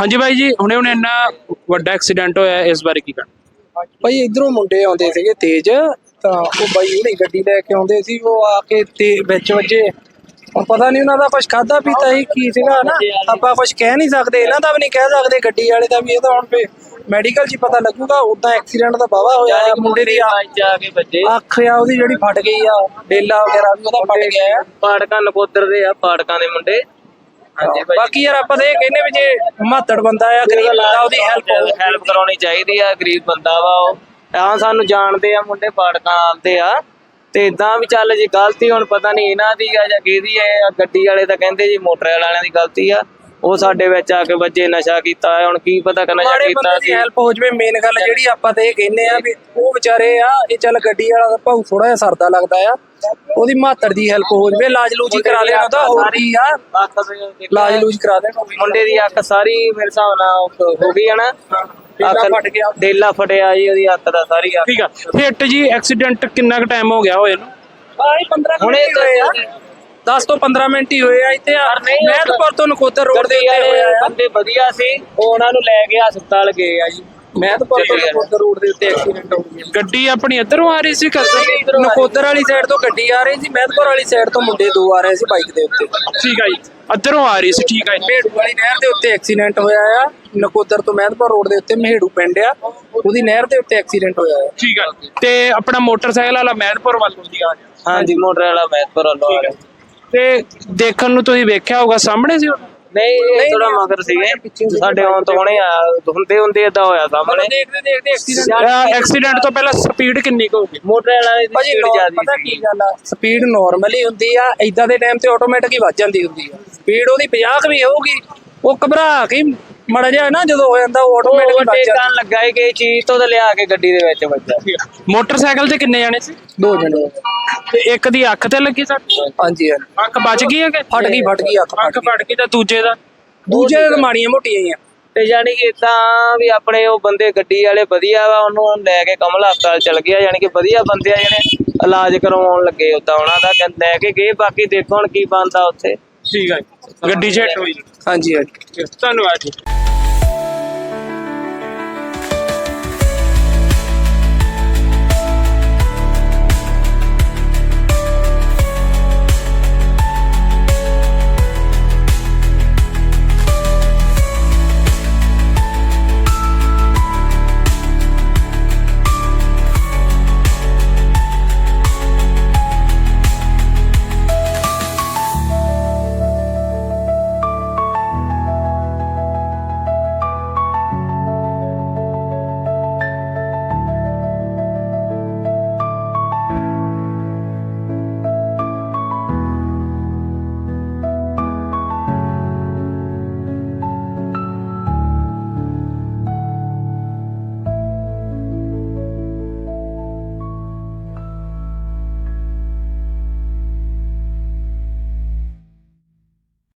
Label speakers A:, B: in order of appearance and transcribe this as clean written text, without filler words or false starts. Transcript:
A: ਹਾਂਜੀ ਬਾਈ ਜੀ, ਹੁਣੇ ਇੰਨਾ ਵੱਡਾ ਐਕਸੀਡੈਂਟ ਹੋਇਆ, ਇਸ ਬਾਰੇ ਕੀ ਕਹਿਣਾ?
B: ਭਾਈ ਇਧਰੋਂ ਮੁੰਡੇ ਆਉਂਦੇ ਸੀਗੇ ਤੇਜ਼, ਤਾਂ ਉਹ ਬਾਈ ਉਹਨੇ ਗੱਡੀ ਲੈ ਕੇ ਆਉਂਦੇ ਸੀ, ਉਹ ਆ ਕੇ ਤੇ ਵਿੱਚ ਵੱਜੇ। ਹੁਣ ਪਤਾ ਨਹੀਂ ਉਹਨਾਂ ਦਾ ਕੁਝ ਖਾਦਾ ਪੀਤਾ ਸੀ ਕੀ ਸੀਗਾ ਨਾ, ਆਪਾਂ ਕੁਝ ਕਹਿ ਨਹੀਂ ਸਕਦੇ, ਇਹਨਾਂ ਦਾ ਵੀ ਨਹੀਂ ਕਹਿ ਸਕਦੇ, ਗੱਡੀ ਵਾਲੇ ਦਾ ਵੀ। ਇਹ ਤਾਂ ਹੁਣ ਮੈਡੀਕਲ 'ਚ ਹੀ ਪਤਾ ਲੱਗੂਗਾ। ਉਦਾਂ ਐਕਸੀਡੈਂਟ ਦਾ ਵਾਹਵਾ ਹੋਇਆ ਆ, ਮੁੰਡੇ ਦੀ ਅੱਖ ਆ ਉਹਦੀ ਜਿਹੜੀ ਫਟ ਗਈ ਆ, ਡੇਲਾ ਵਗੈਰਾ ਵੀ ਉਹਦਾ ਫਟ ਗਿਆ ਆ।
C: ਪਾੜਕਾਂ ਨਕੋਦਰ ਦੇ ਆ, ਪਾੜਕਾਂ ਦੇ ਮੁੰਡੇ।
B: ਬਾਕੀ ਯਾਰ ਆਪਾਂ ਤਾਂ ਇਹ ਕਹਿੰਦੇ ਵੀ ਜੇ ਮਾਤੜ ਬੰਦਾ ਆ, ਗਰੀਬ ਬੰਦਾ, ਉਹਦੀ
C: ਹੈਲਪ ਕਰਾਉਣੀ ਚਾਹੀਦੀ ਆ। ਗਰੀਬ ਬੰਦਾ ਵਾ ਉਹ, ਹਾਂ ਸਾਨੂੰ ਜਾਣਦੇ ਆ ਮੁੰਡੇ, ਪਾੜਕਾਂ ਆਉਂਦੇ ਆ। ਤੇ ਇਦਾਂ ਵੀ ਚੱਲ ਜੀ, ਗਲਤੀ ਹੁਣ ਪਤਾ ਨਹੀਂ ਇਹਨਾਂ ਦੀ ਆ ਜਾਂ ਕਿਹਦੀ ਹੈ। ਗੱਡੀ ਵਾਲੇ ਤਾਂ ਕਹਿੰਦੇ ਜੀ ਮੋਟਰ ਵਾਲਿਆਂ ਦੀ ਗਲਤੀ ਆ, ਉਹ ਸਾਡੇ ਵਿੱਚ ਆ ਕੇ ਵੱਜੇ, ਨਸ਼ਾ ਕੀਤਾ। ਹੁਣ ਕੀ ਪਤਾ ਕਿ ਨਸ਼ਾ ਕੀਤਾ ਸੀ।
B: ਹੈਲਪ ਹੋ ਜਵੇ, ਮੇਨ ਗੱਲ ਜਿਹੜੀ ਆਪਾਂ ਤਾਂ ਇਹ ਕਹਿੰਦੇ ਆ ਵੀ ਉਹ ਵਿਚਾਰੇ ਆ, ਇਹ ਚੱਲ ਗੱਡੀ ਵਾਲਾ ਭਾਊ ਥੋੜਾ ਜਿਹਾ ਸਰਦਾ ਲੱਗਦਾ ਆ, ਉਹਦੀ ਮਾਤੜ ਦੀ ਹੈਲਪ ਹੋ ਜਵੇ, ਇਲਾਜ ਲੂਜ ਕਰਾ ਲੈਣਾ ਉਹਦਾ। ਹੋਰ ਕੀ ਆ, ਇਲਾਜ ਲੂਜ ਕਰਾ ਦੇਣਾ।
C: ਮੁੰਡੇ ਦੀ ਅੱਖ ਸਾਰੀ ਮੇਰੇ ਹਿਸਾਬ ਨਾਲ ਹੋ ਗਈ ਹੈ ਨਾ,
B: ਫਟ ਗਿਆ,
C: ਡੇਲਾ ਫਟਿਆ ਜੀ ਉਹਦੀ ਅੱਖ ਦਾ ਸਾਰੀ।
A: ਠੀਕ ਆ। ਹਿੱਟ ਜੀ ਐਕਸੀਡੈਂਟ ਕਿੰਨਾ ਕੁ ਟਾਈਮ ਹੋ ਗਿਆ ਹੋਏ ਨੂੰ?
B: 10 ਤੋਂ 15 ਮਿੰਟ ਹੀ ਹੋਏ ਆ ਇੱਥੇ। ਮਹਿਤਪੁਰ ਤੋਂ ਨਕੋਦਰ ਰੋਡ ਦੇ ਉੱਤੇ ਹੋਇਆ ਆ।
C: ਬੰਦੇ ਵਧੀਆ ਸੀ, ਉਹ ਉਹਨਾਂ ਨੂੰ ਲੈ ਕੇ ਹਸਪਤਾਲ ਗਏ ਆ ਜੀ।
B: ਮਹਿਤਪੁਰ ਤੋਂ ਨਕੋਦਰ ਰੋਡ ਦੇ ਉੱਤੇ ਐਕਸੀਡੈਂਟ ਹੋ ਗਿਆ।
A: ਗੱਡੀ ਆਪਣੀ ਇੱਧਰੋਂ ਆ ਰਹੀ ਸੀ,
B: ਨਕੋਦਰ ਵਾਲੀ ਸਾਈਡ ਤੋਂ ਗੱਡੀ ਆ ਰਹੀ ਸੀ, ਮਹਿਤਪੁਰ ਵਾਲੀ ਸਾਈਡ ਤੋਂ ਮੁੰਡੇ ਦੋ ਆ ਰਹੇ ਸੀ ਬਾਈਕ ਦੇ ਉੱਤੇ।
A: ਠੀਕ ਆ ਜੀ, ਇੱਧਰੋਂ ਆ ਰਹੀ ਸੀ। ਠੀਕ ਆ ਜੀ।
B: ਮਹੇੜੂ ਵਾਲੀ ਨਹਿਰ ਦੇ ਉੱਤੇ ਐਕਸੀਡੈਂਟ ਹੋਇਆ ਆ। ਨਕੋਦਰ ਤੋਂ ਮਹਿਤਪੁਰ ਰੋਡ ਦੇ ਉੱਤੇ ਮਹੇੜੂ ਪਿੰਡ ਆ, ਉਹਦੀ ਨਹਿਰ ਦੇ ਉੱਤੇ ਐਕਸੀਡੈਂਟ ਹੋਇਆ ਆ।
A: ਠੀਕ ਆ। ਤੇ ਆਪਣਾ ਮੋਟਰਸਾਈਕਲ ਵਾਲਾ ਮਹਿਤਪੁਰ ਵੱਲ ਹੁੰਦੀ ਆ।
C: ਹਾਂਜੀ, ਮੋਟਰ ਵਾਲਾ ਮਹਿਤਪੁਰ ਵੱਲੋਂ ਆ ਰਿਹਾ।
A: ਤੇ ਦੇਖਣ ਨੂੰ ਤੁਸੀਂ ਵੇਖਿਆ ਹੋਗਾ, ਸਾਹਮਣੇ ਸੀ?
C: ਨਹੀਂ, ਥੋੜਾ ਮਗਰ ਸੀਗੇ ਸਾਡੇ ਆਉਣ ਤੋਂ ਹੁਣੇ ਹੁੰਦੇ ਏਦਾਂ ਹੋਇਆ ਸਾਹਮਣੇ।
B: ਦੇਖਦੇ
A: ਐਕਸੀਡੈਂਟ ਤੋਂ ਪਹਿਲਾਂ ਸਪੀਡ ਕਿੰਨੀ ਕੁ ਹੋਊਗੀ?
C: ਮੋਟਰ ਵਾਲਾ ਦੀ
B: ਭਾਜੀ ਪਤਾ ਕੀ ਗੱਲ ਆ, ਸਪੀਡ ਨਾਰਮਲੀ ਹੁੰਦੀ ਆ, ਏਦਾਂ ਦੇ ਟਾਈਮ ਤੇ ਆਟੋਮੈਟਿਕ ਹੀ ਵੱਜ ਜਾਂਦੀ ਹੁੰਦੀ ਆ। ਸਪੀਡ ਉਹਦੀ 50 ਵੀ ਹੋਊਗੀ, ਉਹ ਘਬਰਾ ਕੇ ਮੜ ਜਾ ਨਾ ਜਦੋਂ ਹੋ ਜਾਂਦਾ, ਉਹ ਆਟੋਮੈਟਿਕ ਵੱਜ ਜਾਂਦਾ।
C: ਲੱਗਾ ਹੀ ਕਿ ਚੀਜ਼ ਤੋਂ ਲਿਆ ਕੇ ਗੱਡੀ ਦੇ ਵਿੱਚ ਵੱਜਾ।
A: ਮੋਟਰਸਾਈਕਲ ਤੇ ਕਿੰਨੇ ਜਾਣੇ ਸੀ?
B: 2 ਜਣੇ।
A: ਤੇ ਇੱਕ ਦੀ ਅੱਖ ਤੇ ਲੱਗੀ ਸੱਟ?
B: ਹਾਂਜੀ।
A: ਅੱਖ ਬਚ ਗਈ ਹੈ ਕਿ
B: ਫਟ ਗਈ ਅੱਖ
A: ਫਟ ਗਈ। ਤਾਂ ਦੂਜੇ
B: ਦੇ ਤਾਂ ਮਾੜੀਆਂ ਮੋਟੀਆਂ ਹੀ ਆ।
C: ਤੇ ਯਾਨੀ ਕਿ ਇਦਾਂ ਵੀ ਆਪਣੇ ਉਹ ਬੰਦੇ ਗੱਡੀ ਵਾਲੇ ਵਧੀਆ ਵਾ, ਉਹਨੂੰ ਲੈ ਕੇ ਕਮਲ ਹਸਪਤਾਲ ਚਲ ਗਿਆ। ਯਾਨੀ ਕਿ ਵਧੀਆ ਬੰਦੇ ਆ ਜਿਹੜੇ ਇਲਾਜ ਕਰਵਾਉਣ ਲੱਗੇ, ਉਦਾਂ ਉਹਨਾਂ ਦਾ ਲੈ ਕੇ ਗਏ। ਬਾਕੀ ਦੇਖੋ ਹੁਣ ਕੀ ਬਣਦਾ ਉੱਥੇ।
A: ਠੀਕ ਹੈ, ਗੱਡੀ 'ਚ ਹਿੱਟ ਹੋਈ।
B: ਹਾਂਜੀ।
A: ਧੰਨਵਾਦ ਜੀ।